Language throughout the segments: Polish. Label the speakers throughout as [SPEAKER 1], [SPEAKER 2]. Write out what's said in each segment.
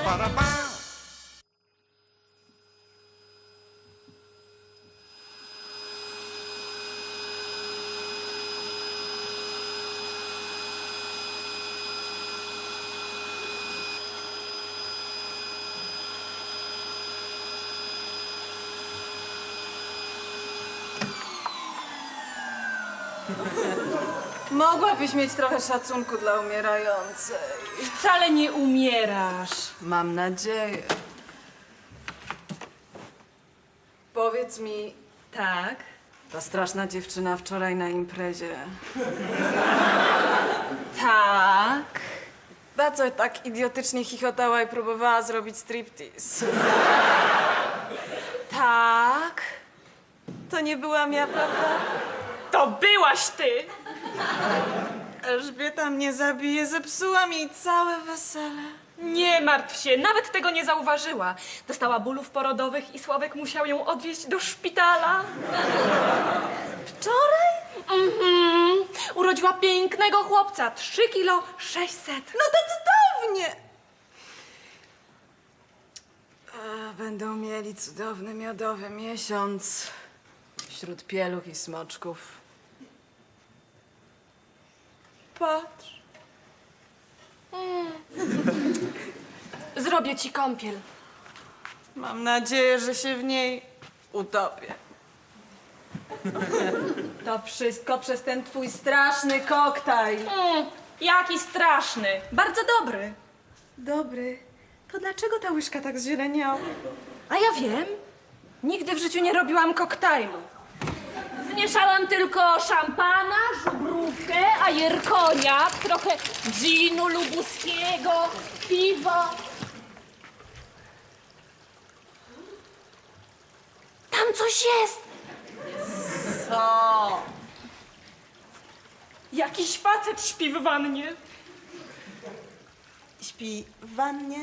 [SPEAKER 1] Mogłabyś mieć trochę szacunku dla umierającej.
[SPEAKER 2] Wcale nie umierasz.
[SPEAKER 1] Mam nadzieję. Powiedz mi,
[SPEAKER 2] Tak?
[SPEAKER 1] ta straszna dziewczyna wczoraj na imprezie,
[SPEAKER 2] Tak.
[SPEAKER 1] ta co tak idiotycznie chichotała i próbowała zrobić striptease.
[SPEAKER 2] Tak.
[SPEAKER 1] To nie byłam ja, prawda?
[SPEAKER 2] To byłaś ty!
[SPEAKER 1] Elżbieta mnie zabije, zepsułam jej całe wesele.
[SPEAKER 2] Nie martw się, nawet tego nie zauważyła. Dostała bólów porodowych i Sławek musiał ją odwieźć do szpitala.
[SPEAKER 1] Wczoraj?
[SPEAKER 2] Urodziła pięknego chłopca, 3 kilo 600.
[SPEAKER 1] No to cudownie! Będą mieli cudowny, miodowy miesiąc wśród pieluch i smoczków. Patrz.
[SPEAKER 2] Zrobię ci kąpiel.
[SPEAKER 1] Mam nadzieję, że się w niej utopię. To wszystko przez ten twój straszny koktajl.
[SPEAKER 2] Jaki straszny. Bardzo dobry.
[SPEAKER 1] Dobry. To dlaczego ta łyżka tak zzieleniała?
[SPEAKER 2] A ja wiem. Nigdy w życiu nie robiłam koktajlu. Zmieszałam tylko szampana, żubrówkę, ajerkonia, trochę ginu lubuskiego, piwo. Tam coś jest!
[SPEAKER 1] Co?
[SPEAKER 2] Jakiś facet śpi w wannie.
[SPEAKER 1] Śpi w wannie?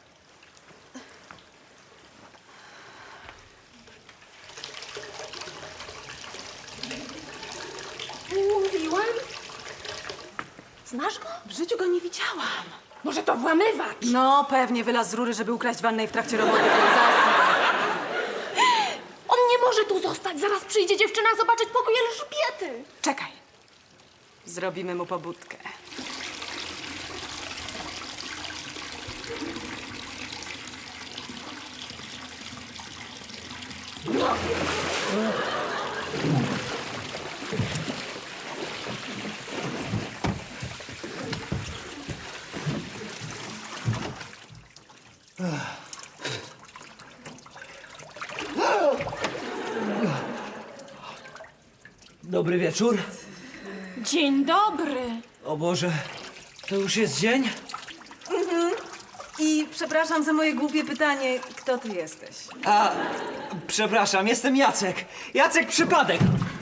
[SPEAKER 2] Mówiłam? Znasz go?
[SPEAKER 1] W życiu go nie widziałam.
[SPEAKER 2] Może to włamywacz?
[SPEAKER 1] No, pewnie wylazł z rury, żeby ukraść wannę i w trakcie roboty zasnął.
[SPEAKER 2] On nie może tu zostać. Zaraz przyjdzie dziewczyna zobaczyć pokój Elżbiety.
[SPEAKER 1] Czekaj. Zrobimy mu pobudkę.
[SPEAKER 3] Dobry wieczór.
[SPEAKER 2] Dzień dobry.
[SPEAKER 3] O Boże, to już jest dzień?
[SPEAKER 1] I przepraszam za moje głupie pytanie, kto ty jesteś?
[SPEAKER 3] Przepraszam, jestem Jacek. Jacek Przypadek.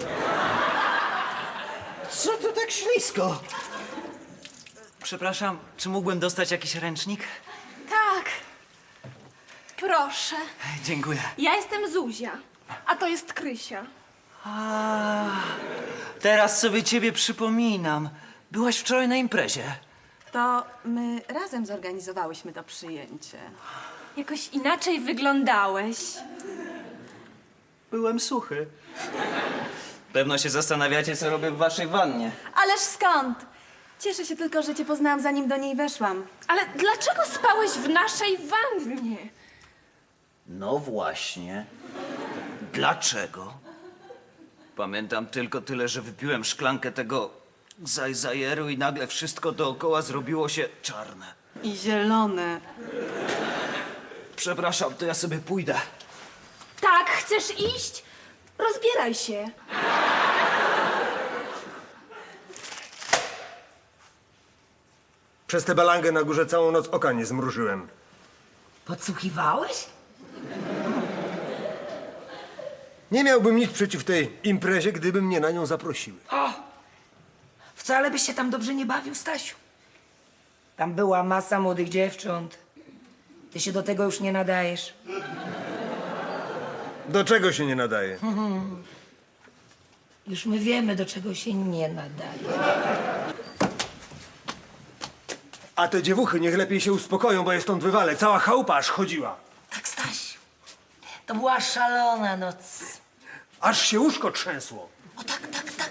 [SPEAKER 3] Co to tak ślisko? Przepraszam, czy mógłbym dostać jakiś ręcznik?
[SPEAKER 2] Tak. Proszę.
[SPEAKER 3] Dziękuję.
[SPEAKER 2] Ja jestem Zuzia, a to jest Krysia.
[SPEAKER 3] Teraz sobie ciebie przypominam. Byłaś wczoraj na imprezie.
[SPEAKER 1] To my razem zorganizowałyśmy to przyjęcie.
[SPEAKER 2] Jakoś inaczej wyglądałeś.
[SPEAKER 3] Byłem suchy. Pewno się zastanawiacie, co robię w waszej wannie.
[SPEAKER 1] Ależ skąd? Cieszę się tylko, że cię poznałam, zanim do niej weszłam.
[SPEAKER 2] Ale dlaczego spałeś w naszej wannie?
[SPEAKER 3] No właśnie. Dlaczego? Pamiętam tylko tyle, że wypiłem szklankę tego zajzajeru i nagle wszystko dookoła zrobiło się czarne.
[SPEAKER 1] I zielone.
[SPEAKER 3] Przepraszam, to ja sobie pójdę.
[SPEAKER 2] Tak, chcesz iść? Rozbieraj się.
[SPEAKER 4] Przez tę balangę na górze całą noc oka nie zmrużyłem.
[SPEAKER 5] Podsłuchiwałeś?
[SPEAKER 4] Nie miałbym nic przeciw tej imprezie, gdyby mnie na nią zaprosiły.
[SPEAKER 5] Wcale byś się tam dobrze nie bawił, Stasiu. Tam była masa młodych dziewcząt. Ty się do tego już nie nadajesz.
[SPEAKER 4] Do czego się nie nadaje?
[SPEAKER 5] Już my wiemy, do czego się nie nadaje.
[SPEAKER 4] A te dziewuchy niech lepiej się uspokoją, bo je stąd wywalę. Cała chałupa aż chodziła.
[SPEAKER 5] Tak, Stasiu. To była szalona noc.
[SPEAKER 4] Aż się łóżko trzęsło.
[SPEAKER 5] O tak.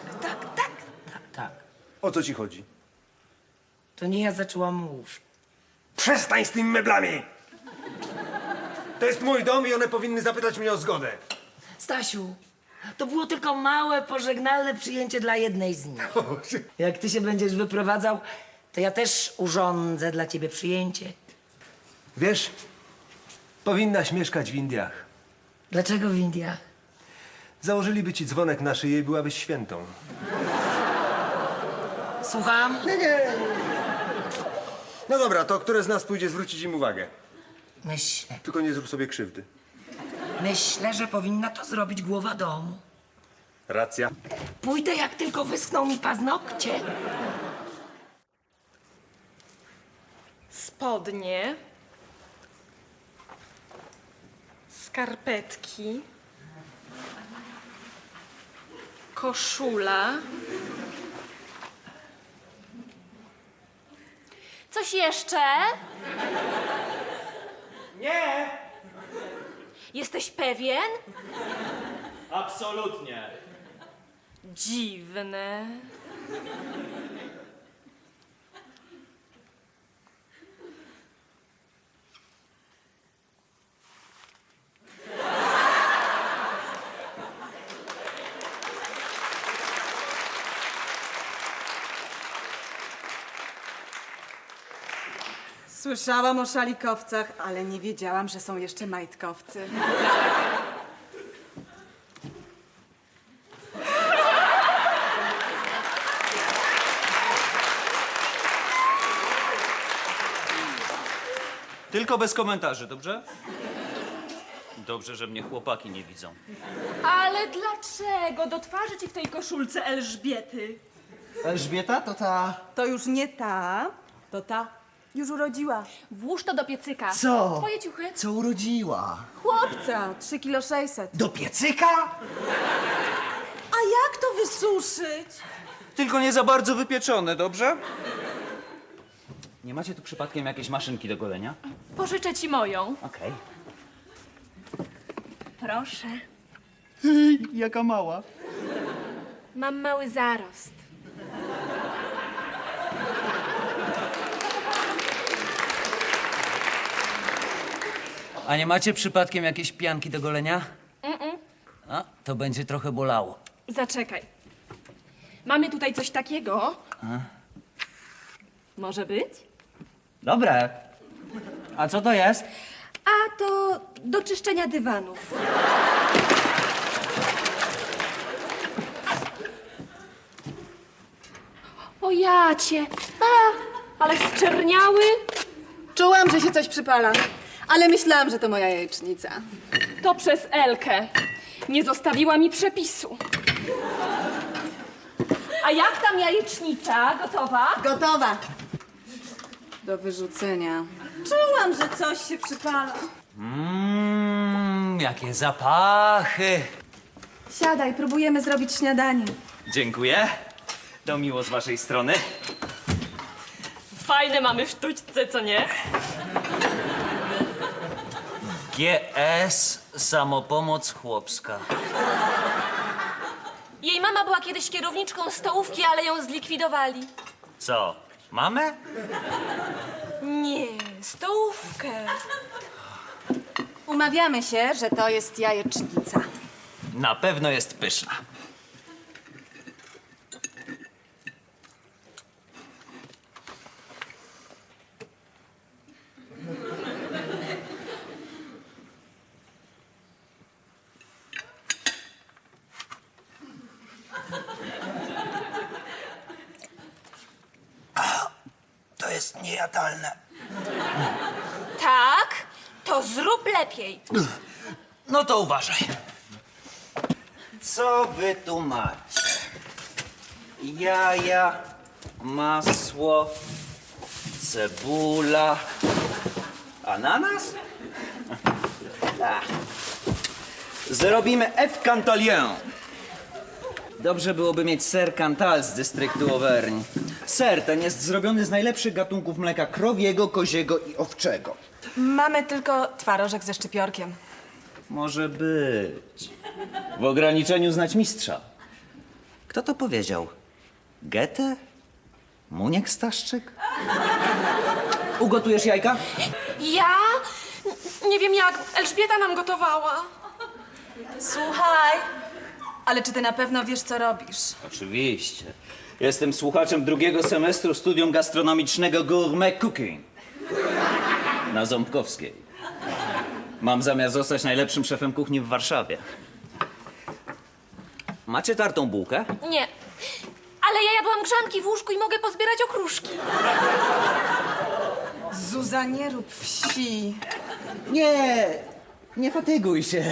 [SPEAKER 4] O co ci chodzi?
[SPEAKER 5] To nie ja zaczęłam łóżko.
[SPEAKER 4] Przestań z tymi meblami! To jest mój dom i one powinny zapytać mnie o zgodę.
[SPEAKER 5] Stasiu, to było tylko małe, pożegnalne przyjęcie dla jednej z nich. Jak ty się będziesz wyprowadzał, to ja też urządzę dla ciebie przyjęcie.
[SPEAKER 4] Wiesz, powinnaś mieszkać w Indiach.
[SPEAKER 5] Dlaczego w Indiach?
[SPEAKER 4] Założyliby ci dzwonek na szyję i byłabyś świętą.
[SPEAKER 5] Słucham?
[SPEAKER 4] No dobra, to które z nas pójdzie zwrócić im uwagę?
[SPEAKER 5] Myślę,
[SPEAKER 4] Tylko nie zrób sobie krzywdy.
[SPEAKER 5] że powinna to zrobić głowa domu.
[SPEAKER 4] Racja.
[SPEAKER 5] Pójdę, jak tylko wyschną mi paznokcie.
[SPEAKER 2] Spodnie. Skarpetki. Koszula.
[SPEAKER 6] Coś jeszcze?
[SPEAKER 3] Nie!
[SPEAKER 6] Jesteś pewien?
[SPEAKER 3] Absolutnie.
[SPEAKER 2] Dziwne.
[SPEAKER 1] Słyszałam o szalikowcach, ale nie wiedziałam, że są jeszcze majtkowcy.
[SPEAKER 3] Tylko bez komentarzy, dobrze? Dobrze, że mnie chłopaki nie widzą.
[SPEAKER 2] Ale dlaczego? Do twarzy ci w tej koszulce Elżbiety.
[SPEAKER 7] Elżbieta to ta...
[SPEAKER 1] To już nie ta, to ta już urodziła.
[SPEAKER 6] Włóż to do piecyka.
[SPEAKER 7] Co?
[SPEAKER 6] Twoje ciuchy?
[SPEAKER 7] Co urodziła?
[SPEAKER 1] Chłopca, 3,6 kg.
[SPEAKER 7] Do piecyka?
[SPEAKER 1] A jak to wysuszyć?
[SPEAKER 3] Tylko nie za bardzo wypieczone, dobrze? Nie macie tu przypadkiem jakiejś maszynki do golenia?
[SPEAKER 2] Pożyczę ci moją.
[SPEAKER 3] Okej.
[SPEAKER 2] Proszę.
[SPEAKER 7] Jaka mała.
[SPEAKER 6] Mam mały zarost.
[SPEAKER 8] A nie macie przypadkiem jakiejś pianki do golenia? A, to będzie trochę bolało.
[SPEAKER 2] Zaczekaj. Mamy tutaj coś takiego. Może być?
[SPEAKER 8] Dobre. A co to jest?
[SPEAKER 6] A to do czyszczenia dywanów. O jacie.
[SPEAKER 2] Ale zczerniały.
[SPEAKER 1] Czułam, że się coś przypala, ale myślałam, że to moja jajecznica.
[SPEAKER 2] To przez Elkę. Nie zostawiła mi przepisu. A jak tam jajecznica? Gotowa?
[SPEAKER 1] Gotowa. Do wyrzucenia. Czułam, że coś się przypala.
[SPEAKER 8] Jakie zapachy.
[SPEAKER 1] Siadaj, próbujemy zrobić śniadanie.
[SPEAKER 3] Dziękuję. To miło z waszej strony.
[SPEAKER 2] Fajne mamy w sztućce, co nie?
[SPEAKER 8] GS Samopomoc Chłopska.
[SPEAKER 6] Jej mama była kiedyś kierowniczką stołówki, ale ją zlikwidowali.
[SPEAKER 8] Co, mamę?
[SPEAKER 6] Nie, stołówkę.
[SPEAKER 1] Umawiamy się, że to jest jajecznica.
[SPEAKER 3] Na pewno jest pyszna.
[SPEAKER 7] To jest niejadalne.
[SPEAKER 6] Tak? To zrób lepiej.
[SPEAKER 8] No to uważaj.
[SPEAKER 3] Co wy tu macie? Jaja, masło, cebula, ananas? Ach. Zrobimy F Cantalien. Dobrze byłoby mieć ser Cantal z dystryktu Auvergne. Ser ten jest zrobiony z najlepszych gatunków mleka krowiego, koziego i owczego.
[SPEAKER 1] Mamy tylko twarożek ze szczypiorkiem.
[SPEAKER 3] Może być. W ograniczeniu znać mistrza. Kto to powiedział? Goethe? Muniek Staszczyk? Ugotujesz jajka?
[SPEAKER 2] Ja? Nie wiem jak. Elżbieta nam gotowała.
[SPEAKER 1] Słuchaj, ale czy ty na pewno wiesz, co robisz?
[SPEAKER 3] Oczywiście. Jestem słuchaczem drugiego semestru studium gastronomicznego Gourmet Cooking na Ząbkowskiej. Mam zamiar zostać najlepszym szefem kuchni w Warszawie. Macie tartą bułkę?
[SPEAKER 6] Nie. Ale ja jadłam grzanki w łóżku i mogę pozbierać okruszki.
[SPEAKER 1] Zuza, nie rób wsi.
[SPEAKER 3] Nie fatyguj się.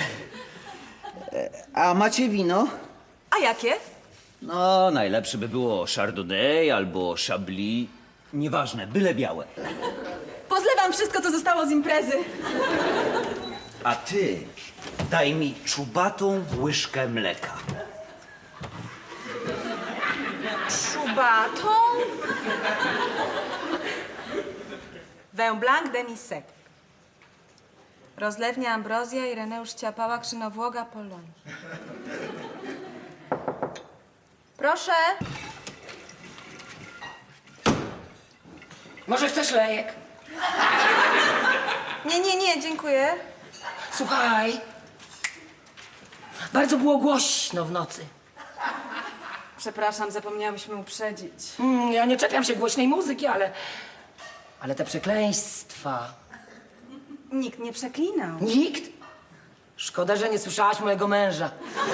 [SPEAKER 3] A macie wino?
[SPEAKER 1] A jakie?
[SPEAKER 3] No, najlepsze by było Chardonnay albo Chablis. Nieważne, byle białe.
[SPEAKER 1] Pozlewam wszystko, co zostało z imprezy.
[SPEAKER 3] A ty daj mi czubatą łyżkę mleka.
[SPEAKER 1] Szubatą. Vin blanc demi-sec. Rozlewnia Ambrozja, Ireneusz Ciapała, Krzynowłoga, Poloń. Proszę.
[SPEAKER 5] Może chcesz lejek?
[SPEAKER 1] Nie, dziękuję.
[SPEAKER 5] Słuchaj. Bardzo było głośno w nocy.
[SPEAKER 1] Przepraszam, zapomniałyśmy uprzedzić.
[SPEAKER 5] Ja nie czepiam się głośnej muzyki, ale te przekleństwa.
[SPEAKER 1] Nikt nie przeklinał.
[SPEAKER 5] Nikt? Szkoda, że nie słyszałaś mojego męża.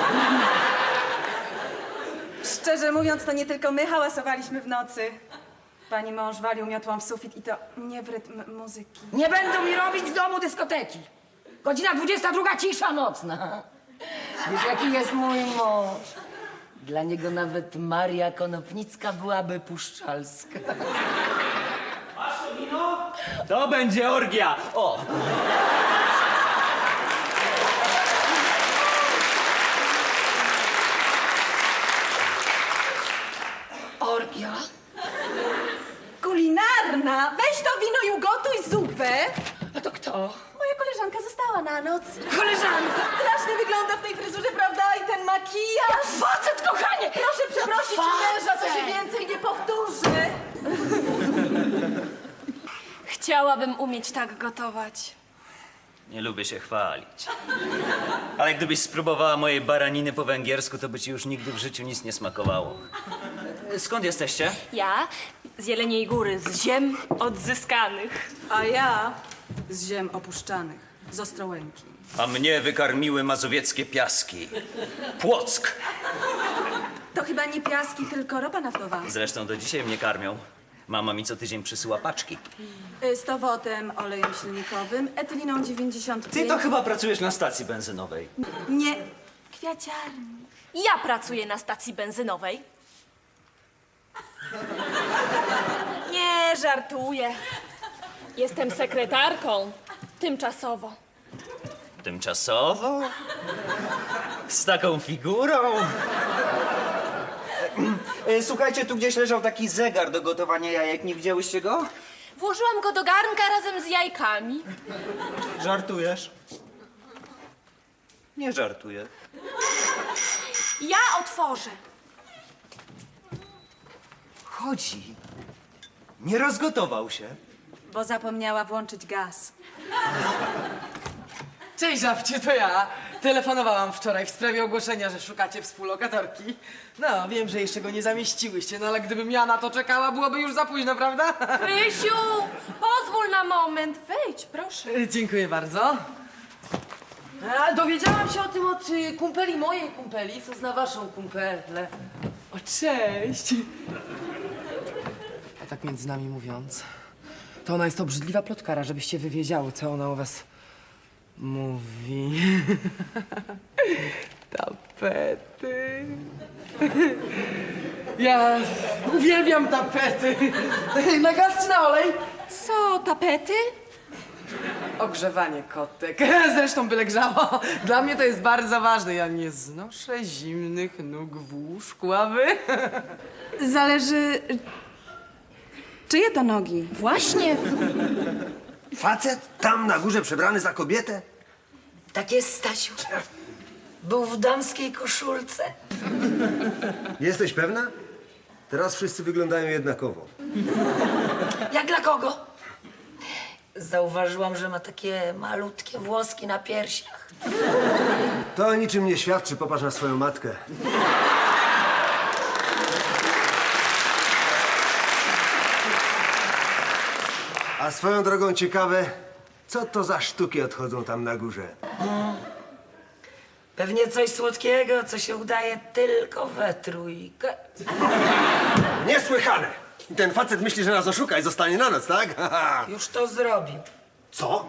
[SPEAKER 1] Szczerze mówiąc, to nie tylko my hałasowaliśmy w nocy. Pani mąż walił miotłą w sufit i to nie w rytm muzyki.
[SPEAKER 5] Nie będą mi robić z domu dyskoteki. Godzina 22, cisza nocna. Wiesz, jaki jest mój mąż? Dla niego nawet Maria Konopnicka byłaby puszczalska.
[SPEAKER 3] To będzie orgia! O!
[SPEAKER 5] Orgia?
[SPEAKER 1] Kulinarna! Weź to wino i ugotuj zupę!
[SPEAKER 5] A to kto?
[SPEAKER 1] Moja koleżanka została na noc.
[SPEAKER 5] Koleżanka!
[SPEAKER 1] Strasznie wygląda w tej fryzurze, prawda? I ten makijaż!
[SPEAKER 5] Facet, kochanie!
[SPEAKER 1] Proszę przeprosić męża, to się więcej nie powtórzy!
[SPEAKER 6] Chciałabym umieć tak gotować.
[SPEAKER 3] Nie lubię się chwalić. Ale gdybyś spróbowała mojej baraniny po węgiersku, to by ci już nigdy w życiu nic nie smakowało. Skąd jesteście?
[SPEAKER 6] Ja z Jeleniej Góry, z ziem odzyskanych.
[SPEAKER 1] A ja z ziem opuszczanych, z Ostrołęki.
[SPEAKER 3] A mnie wykarmiły mazowieckie piaski. Płock!
[SPEAKER 1] To chyba nie piaski, tylko ropa naftowa.
[SPEAKER 3] Zresztą do dzisiaj mnie karmią. Mama mi co tydzień przysyła paczki.
[SPEAKER 1] Z towotem, olejem silnikowym, etyliną 95.
[SPEAKER 3] Ty to chyba pracujesz na stacji benzynowej.
[SPEAKER 1] Nie, w kwiaciarni.
[SPEAKER 6] Ja pracuję na stacji benzynowej. Nie, żartuję. Jestem sekretarką. Tymczasowo.
[SPEAKER 3] Tymczasowo? Z taką figurą? Słuchajcie, tu gdzieś leżał taki zegar do gotowania jajek. Nie widziałyście go?
[SPEAKER 6] Włożyłam go do garnka razem z jajkami.
[SPEAKER 3] Żartujesz? Nie żartuję.
[SPEAKER 6] Ja otworzę.
[SPEAKER 3] Chodzi. Nie rozgotował się.
[SPEAKER 1] Bo zapomniała włączyć gaz.
[SPEAKER 9] Cześć, żabcie, to ja. Telefonowałam wczoraj w sprawie ogłoszenia, że szukacie współlokatorki. No, wiem, że jeszcze go nie zamieściłyście, no ale gdybym ja na to czekała, byłoby już za późno, prawda?
[SPEAKER 6] Krysiu, pozwól na moment. Wejdź, proszę.
[SPEAKER 9] Dziękuję bardzo. A, dowiedziałam się o tym od kumpeli mojej kumpeli, co zna waszą kumpelę. O, cześć. A tak między nami mówiąc, to ona jest obrzydliwa plotkara, żebyście wy wiedziały, co ona o was mówi. Tapety. Ja uwielbiam tapety. Na gaz czy na olej?
[SPEAKER 6] Co, tapety?
[SPEAKER 9] Ogrzewanie kotek. Zresztą byle grzało. Dla mnie to jest bardzo ważne. Ja nie znoszę zimnych nóg w łóżku, a wy?
[SPEAKER 1] Zależy, Czyje to nogi?
[SPEAKER 6] Właśnie.
[SPEAKER 4] Facet tam na górze przebrany za kobietę?
[SPEAKER 5] Tak jest, Stasiu. Był w damskiej koszulce.
[SPEAKER 4] Jesteś pewna? Teraz wszyscy wyglądają jednakowo.
[SPEAKER 5] Jak dla kogo? Zauważyłam, że ma takie malutkie włoski na piersiach.
[SPEAKER 4] To o niczym nie świadczy, popatrz na swoją matkę. A swoją drogą ciekawe, co to za sztuki odchodzą tam na górze?
[SPEAKER 5] Pewnie coś słodkiego, co się udaje tylko we trójkę.
[SPEAKER 4] Niesłychane! I ten facet myśli, że nas oszuka i zostanie na noc, tak?
[SPEAKER 5] Już to zrobił.
[SPEAKER 4] Co?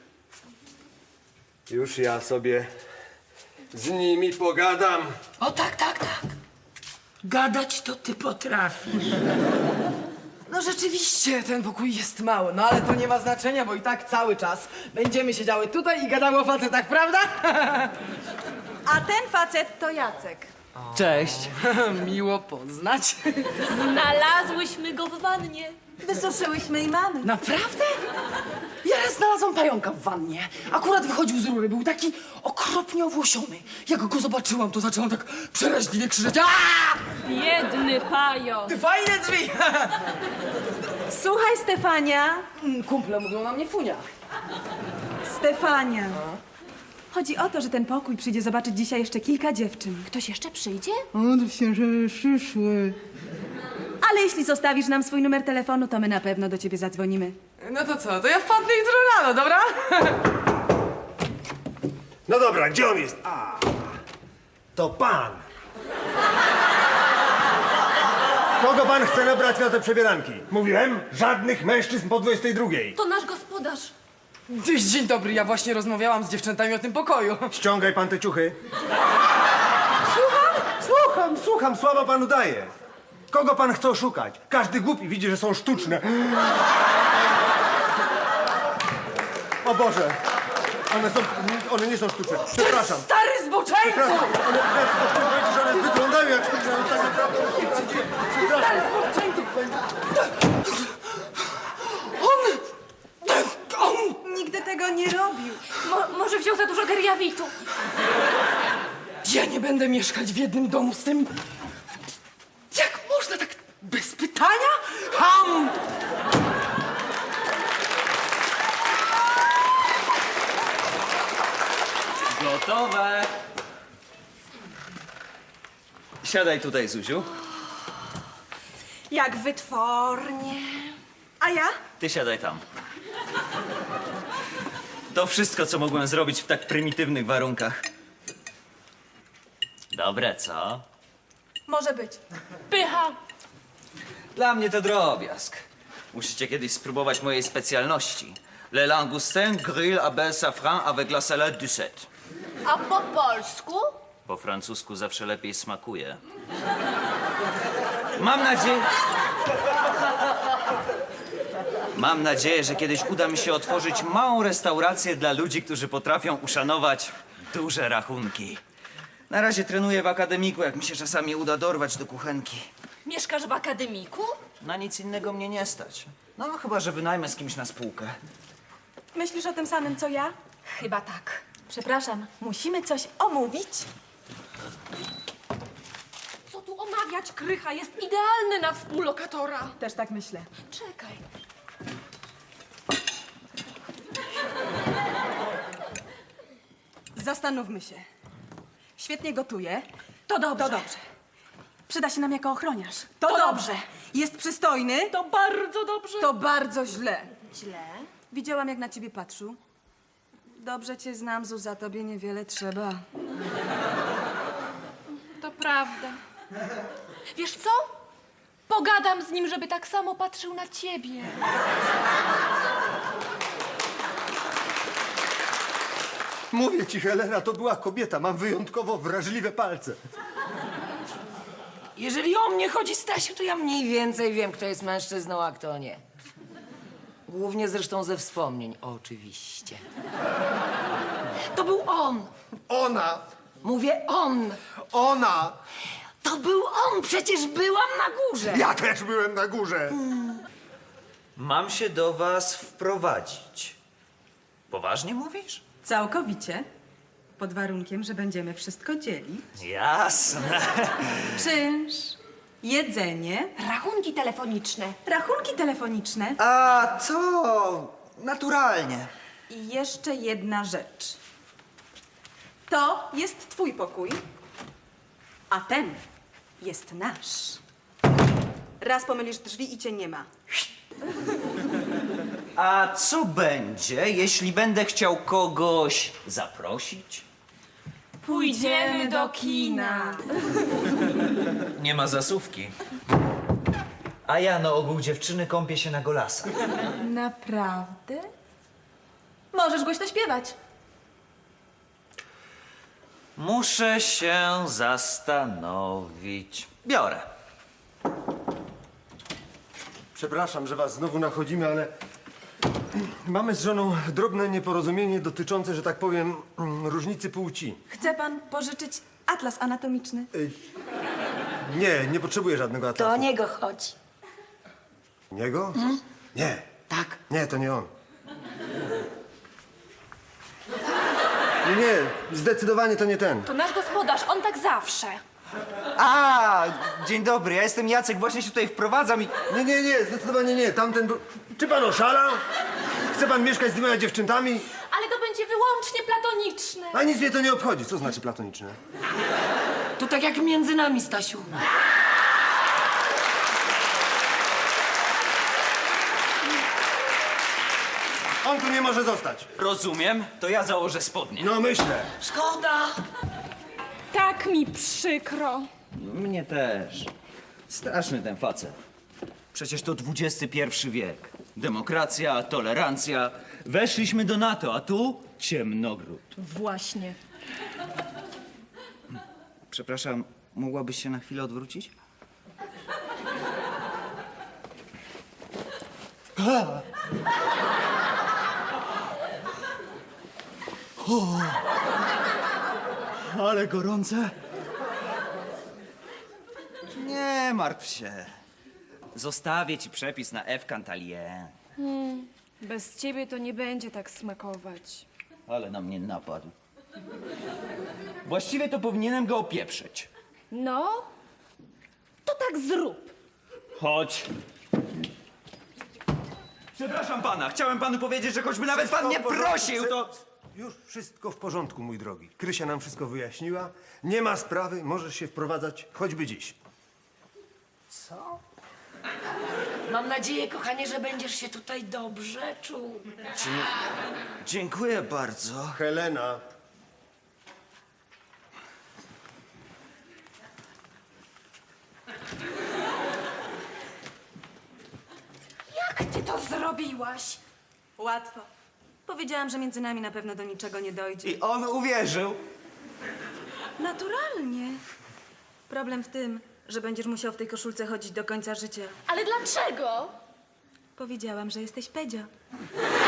[SPEAKER 4] Już ja sobie z nimi pogadam.
[SPEAKER 5] O tak, tak, tak. Gadać to ty potrafisz.
[SPEAKER 9] No rzeczywiście, ten pokój jest mały, no ale to nie ma znaczenia, bo i tak cały czas będziemy siedziały tutaj i gadały o facetach, prawda?
[SPEAKER 1] A ten facet to Jacek.
[SPEAKER 8] Cześć.
[SPEAKER 9] Miło poznać.
[SPEAKER 6] Znalazłyśmy go w wannie.
[SPEAKER 1] Wysuszyłyśmy i mamy.
[SPEAKER 9] Naprawdę? Ja raz znalazłam pająka w wannie. Akurat wychodził z rury, był taki okropnie owłosiony. Jak go zobaczyłam, to zaczęłam tak przeraźliwie krzyczeć. Aaa!
[SPEAKER 6] Biedny pająk.
[SPEAKER 9] Ty fajne drzwi!
[SPEAKER 1] Słuchaj, Stefania.
[SPEAKER 9] Kumple mówią na mnie funia.
[SPEAKER 1] Stefania. Chodzi o to, że ten pokój przyjdzie zobaczyć dzisiaj jeszcze kilka dziewczyn.
[SPEAKER 6] Ktoś jeszcze przyjdzie?
[SPEAKER 1] Ale jeśli zostawisz nam swój numer telefonu, to my na pewno do ciebie zadzwonimy.
[SPEAKER 9] No to co, to ja wpadnę jutro rano, dobra?
[SPEAKER 4] No dobra, gdzie on jest? A, to pan. Kogo pan chce nabrać na te przebieranki? Mówiłem, żadnych mężczyzn po 22.
[SPEAKER 6] To nasz gospodarz.
[SPEAKER 9] Dzień dobry, ja właśnie rozmawiałam z dziewczętami o tym pokoju.
[SPEAKER 4] Ściągaj pan te ciuchy. Słucham, słabo panu daję. Kogo pan chce oszukać? Każdy głupi widzi, że są sztuczne. O Boże, one nie są sztuczne. Przepraszam.
[SPEAKER 9] Stary zboczeńcu!
[SPEAKER 4] Przepraszam, one wyglądają jak sztuczne, ale tak naprawdę są sztuczne. Przepraszam.
[SPEAKER 1] Nigdy tego nie robił.
[SPEAKER 6] Może wziął za dużo geriawitu.
[SPEAKER 9] Ja nie będę mieszkać w jednym domu z tym... Jak można tak bez pytania? Ham!
[SPEAKER 3] Gotowe. Siadaj tutaj, Zuziu.
[SPEAKER 1] Jak wytwornie. A ja?
[SPEAKER 3] Ty siadaj tam. To wszystko, co mogłem zrobić w tak prymitywnych warunkach. Dobre, co?
[SPEAKER 1] Może być.
[SPEAKER 6] Pycha.
[SPEAKER 3] Dla mnie to drobiazg. Musicie kiedyś spróbować mojej specjalności. Le langoustin grill à bel safran avec la salade du set.
[SPEAKER 6] A po polsku?
[SPEAKER 3] Po francusku zawsze lepiej smakuje. Mam nadzieję, że kiedyś uda mi się otworzyć małą restaurację dla ludzi, którzy potrafią uszanować duże rachunki. Na razie trenuję w akademiku, jak mi się czasami uda dorwać do kuchenki.
[SPEAKER 6] Mieszkasz w akademiku?
[SPEAKER 3] Na nic innego mnie nie stać. No, chyba że wynajmę z kimś na spółkę.
[SPEAKER 1] Myślisz o tym samym, co ja?
[SPEAKER 6] Chyba tak.
[SPEAKER 1] Przepraszam, musimy coś omówić.
[SPEAKER 6] Co tu omawiać, Krycha? Jest idealny na współlokatora.
[SPEAKER 1] Też tak myślę.
[SPEAKER 6] Czekaj.
[SPEAKER 1] Zastanówmy się. Świetnie gotuje.
[SPEAKER 6] To dobrze.
[SPEAKER 1] To dobrze. Przyda się nam jako ochroniarz. To dobrze. Jest przystojny.
[SPEAKER 6] To bardzo dobrze.
[SPEAKER 1] To bardzo źle.
[SPEAKER 6] źle.
[SPEAKER 1] Widziałam, jak na ciebie patrzył. Dobrze cię znam, Zuza, tobie niewiele trzeba.
[SPEAKER 6] To prawda. Wiesz co? Pogadam z nim, żeby tak samo patrzył na ciebie.
[SPEAKER 4] Mówię ci, Helena, to była kobieta. Mam wyjątkowo wrażliwe palce.
[SPEAKER 5] Jeżeli o mnie chodzi, Stasiu, to ja mniej więcej wiem, kto jest mężczyzną, a kto nie. Głównie zresztą ze wspomnień, oczywiście. To był on.
[SPEAKER 4] Ona!
[SPEAKER 5] Mówię on.
[SPEAKER 4] Ona!
[SPEAKER 5] To był on, przecież byłam na górze.
[SPEAKER 4] Ja też byłem na górze.
[SPEAKER 3] Mam się do was wprowadzić. Poważnie mówisz?
[SPEAKER 1] Całkowicie. Pod warunkiem, że będziemy wszystko dzielić.
[SPEAKER 3] Jasne.
[SPEAKER 1] Czynsz, jedzenie,
[SPEAKER 6] Rachunki telefoniczne.
[SPEAKER 1] rachunki telefoniczne
[SPEAKER 7] A to naturalnie.
[SPEAKER 1] i jeszcze jedna rzecz. To jest twój pokój, a ten jest nasz. Raz pomylisz drzwi i cię nie ma.
[SPEAKER 3] A co będzie, jeśli będę chciał kogoś zaprosić?
[SPEAKER 1] Pójdziemy do kina.
[SPEAKER 3] Nie ma zasówki. A ja na ogół dziewczyny kąpię się na golasach.
[SPEAKER 1] Naprawdę? Możesz głośno śpiewać.
[SPEAKER 3] Muszę się zastanowić. Biorę.
[SPEAKER 4] Przepraszam, że was znowu nachodzimy, ale mamy z żoną drobne nieporozumienie dotyczące, że tak powiem, różnicy płci.
[SPEAKER 1] Chce pan pożyczyć atlas anatomiczny?
[SPEAKER 4] Nie potrzebuję żadnego
[SPEAKER 5] To o
[SPEAKER 4] atlasu.
[SPEAKER 5] niego chodzi.
[SPEAKER 4] Niego? Nie.
[SPEAKER 5] Tak.
[SPEAKER 4] Nie, to nie on. Nie, zdecydowanie to nie ten.
[SPEAKER 6] To nasz gospodarz, on tak zawsze.
[SPEAKER 7] A, dzień dobry, ja jestem Jacek, właśnie się tutaj wprowadzam i...
[SPEAKER 4] Nie, zdecydowanie nie. Tamten był... Czy pan oszalał? Chce pan mieszkać z dwiema dziewczętami?
[SPEAKER 6] Ale to będzie wyłącznie platoniczne.
[SPEAKER 4] A nic mnie to nie obchodzi. Co znaczy platoniczne?
[SPEAKER 5] To tak jak między nami, Stasiu.
[SPEAKER 4] On tu nie może zostać.
[SPEAKER 3] Rozumiem, to ja założę spodnie.
[SPEAKER 4] No myślę.
[SPEAKER 5] Szkoda.
[SPEAKER 2] Tak mi przykro.
[SPEAKER 3] Mnie też. Straszny ten facet. Przecież to XXI wiek. Demokracja, tolerancja. Weszliśmy do NATO, a tu ciemnogród.
[SPEAKER 2] Właśnie.
[SPEAKER 3] Przepraszam, mogłabyś się na chwilę odwrócić? Ale gorące. Nie martw się. Zostawię ci przepis na F. Cantalier.
[SPEAKER 2] Bez ciebie to nie będzie tak smakować.
[SPEAKER 3] Ale na mnie napadł. Właściwie to powinienem go opieprzyć.
[SPEAKER 2] No, to tak zrób.
[SPEAKER 3] Chodź. Przepraszam pana, chciałem panu powiedzieć, że choćby nawet pan nie prosił, to...
[SPEAKER 4] Już wszystko w porządku, mój drogi. Krysia nam wszystko wyjaśniła. Nie ma sprawy, możesz się wprowadzać choćby dziś.
[SPEAKER 5] Mam nadzieję, kochanie, że będziesz się tutaj dobrze czuł.
[SPEAKER 3] Dziękuję bardzo.
[SPEAKER 4] Helena.
[SPEAKER 2] Jak ty to zrobiłaś?
[SPEAKER 1] Łatwo. Powiedziałam, że między nami na pewno do niczego nie dojdzie.
[SPEAKER 3] I on uwierzył.
[SPEAKER 1] Naturalnie. Problem w tym, że będziesz musiał w tej koszulce chodzić do końca życia.
[SPEAKER 6] Ale dlaczego?
[SPEAKER 1] Powiedziałam, że jesteś Pedzio.